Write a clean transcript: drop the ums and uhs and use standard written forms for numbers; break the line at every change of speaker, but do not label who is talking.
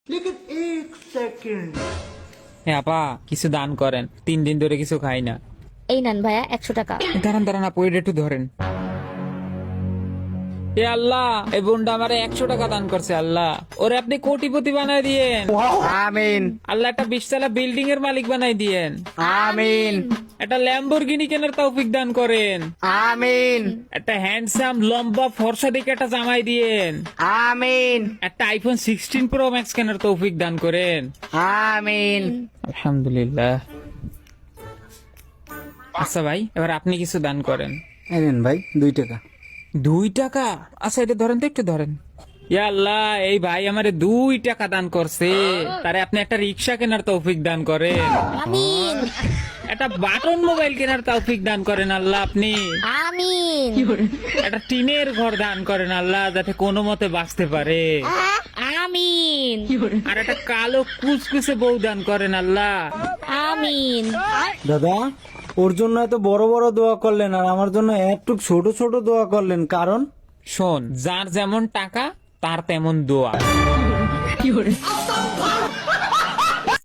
হ্যাঁ আপা, কিছু দান করেন, 3 দিন ধরে কিছু খাই না।
এই নেন ভাইয়া 100 টাকা।
দাঁড়ান দাঁড়ান আপু, এটা একটু ধরেন। এ আল্লাহ, এই বোনটা আমারে 100 টাকা দান করছে। আল্লাহ ওরে আপনি কোটিপতি বানাই দিয়েন।
আমিন
আল্লাহ একটা 20 তলা বিল্ডিং এর মালিক বানাই দিয়েন।
আমিন
একটা ল্যাম্বরগিনি কেনার তৌফিক দান করেন।
আমিন
একটা হ্যান্ডসাম লম্বা ফর্সা দিকে একটা জামাই দিয়েন।
আমিন
একটা আইফোন 16 প্রো ম্যাক্স কেনার তৌফিক দান করেন।
আমিন।
আলহামদুলিল্লাহ। আচ্ছা ভাই, এবার আপনি কিছু দান করেন।
এই নেন ভাই 2 টাকা।
2 টাকা? আচ্ছা এটা ধরেন তো, একটু ধরেন। ইয়া আল্লাহ, এই ভাই আমারে 2 টাকা দান করছে, তারে আপনি একটা রিক্সা কেনার তৌফিক দান করেন।
আমিন
একটা বাটন মোবাইল কেনার তৌফিক দান করেন আল্লাহ আপনি।
আমিন
একটা টিনের ঘর দান করেন আল্লাহ, যাতে কোনো মতে বাঁচতে পারে।
আমিন
আর একটা কালো কুচকুচে বউ দান করেন আল্লাহ।
আমিন।
দাদা, ওর জন্য এত বড় বড় দোয়া করলেন আর আমার জন্য একটু ছোট ছোট দোয়া করলেন, কারণ
শোন, যার যেমন টাকা তার তেমন দোয়া।